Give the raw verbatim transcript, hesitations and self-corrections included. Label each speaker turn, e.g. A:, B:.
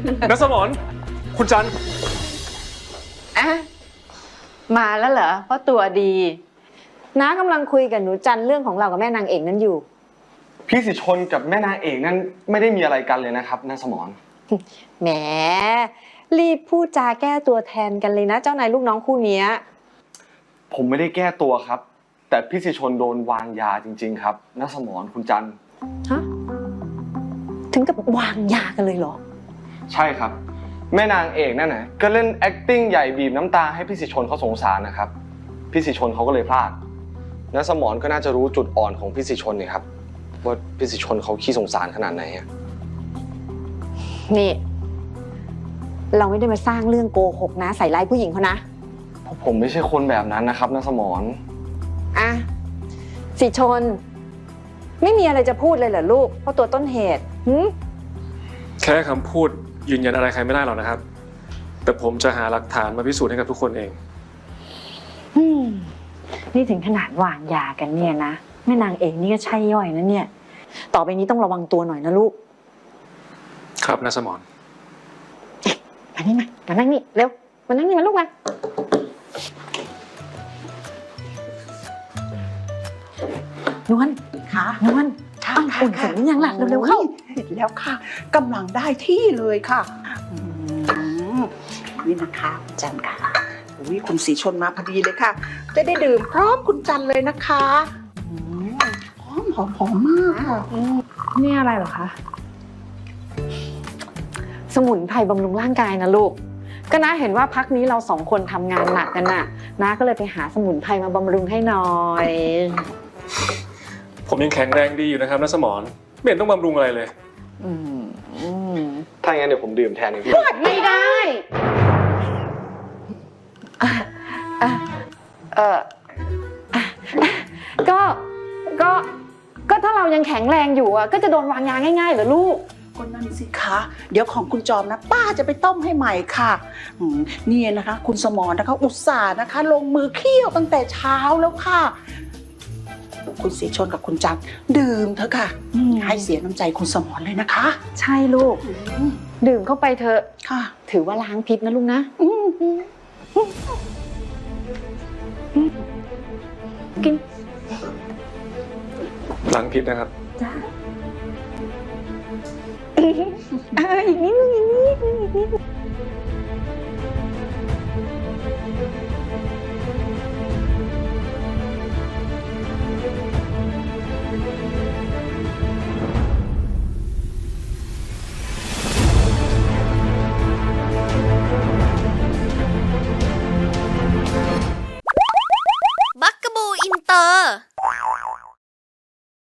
A: นักสมรคุณจัน
B: อะมาแล้วเหรอเพราะตัวดีน้ากำลังคุยกับหนูจันเรื่องของเรากับแม่นางเอกนั้นอยู่
C: พี่สิชนกับแม่นางเอกนั่นไม่ได้มีอะไรกันเลยนะครับนางสมร
B: แหมรีบพูดจาแก้ตัวแทนกันเลยนะเจ้านายลูกน้องคู่นี้
C: ผมไม่ได้แก้ตัวครับแต่พี่สิชนโดนวางยาจริงๆครับนางสมรคุณจัน
B: ฮะถึงกับวางยากันเลยเหรอ
C: ใช่ครับแม่นางเอกนั่นน่ะก็เล่น acting ใหญ่บีบน้ำตาให้พี่สิชนเขาสงสารนะครับพี่สิชนเขาก็เลยพลาดนางสมรก็น่าจะรู้จุดอ่อนของพี่สิชนนี่ครับว่าพี่สิชนเขาขี้สงสารขนาดไหน
B: นี่เราไม่ได้มาสร้างเรื่องโกหกนะใส่ร้ายผู้หญิงเขานะ
C: ผมไม่ใช่คนแบบนั้นนะครับนางสมร
B: อ่ะสิชนไม่มีอะไรจะพูดเลยเหรอลูกเพราะตัวต้นเหตุหืม
A: แค่คำพูดยืนยันอะไรใครไม่ได้หรอกนะครับแต่ผมจะหาหลักฐานมาพิสูจน์ให้กับทุกคนเอง
B: อืมนี่ถึงขนาดวางยากันเนี่ยนะแม่นางเอกนี่ก็ใช่ย่อยนะเนี่ยต่อไปนี้ต้องระวังตัวหน่อยนะลูก
A: ครับนางสมร
B: มานี่มามานั่งนี่เร็วมานั่งนี่มาลูกมานวล
D: ค่ะ
B: นวล
D: ค่ะ
B: อุ่นเสร็จหรือยังล่ะเร็วๆเข้า
D: เสร็จแล้วค่ะกำลังได้ที่เลยค่ะนี่นะคะคุณจันค่ะอุ้ยคุณสีชนมาพอดีเลยค่ะจะได้ดื่มพร้อมคุณจันเลยนะคะหอมหอมหอมมากค่ะ
B: นี่อะไรเหรอคะสมุนไพรบำรุงร่างกายนะลูกก็น้าเห็นว่าพักนี้เราสองคนทำงานหนักกันน่ะน้าก็เลยไปหาสมุนไพรมาบำรุงให้หน่อย
A: ผมยังแข็งแรงดีอยู่นะครับนางสมรไม่เห็นต้องบำรุงอะไรเลย
B: อืม
C: ถ้าอย่างนั้นเดี๋ยวผมดื่มแทนเองพี่
B: ไม่ได้เออก็ก็ก็ถ้าเรายังแข็งแรงอยู่อ่ะก็จะโดนวางยาง่ายๆเหรอลูก
D: ก็นั่นสิคะเดี๋ยวของคุณจอมนะป้าจะไปต้มให้ใหม่ค่ะนี่นะคะคุณสมรนะคะอุตส่าห์นะคะลงมือเคี่ยวตั้งแต่เช้าแล้วค่ะคุณสีชนกับคุณจันดื่มเถอะค่ะให้เสียน้ำใจคุณสมรเลยนะคะ
B: ใช่ลูกดื่มเข้าไปเถอะ
D: ค่ะ
B: ถือว่าล้างพิษนะลูกนะกิน
A: ล้างพิษนะครับ
B: จ้าอีกนิดนึงอีกนิดนึงอีกนิดนึง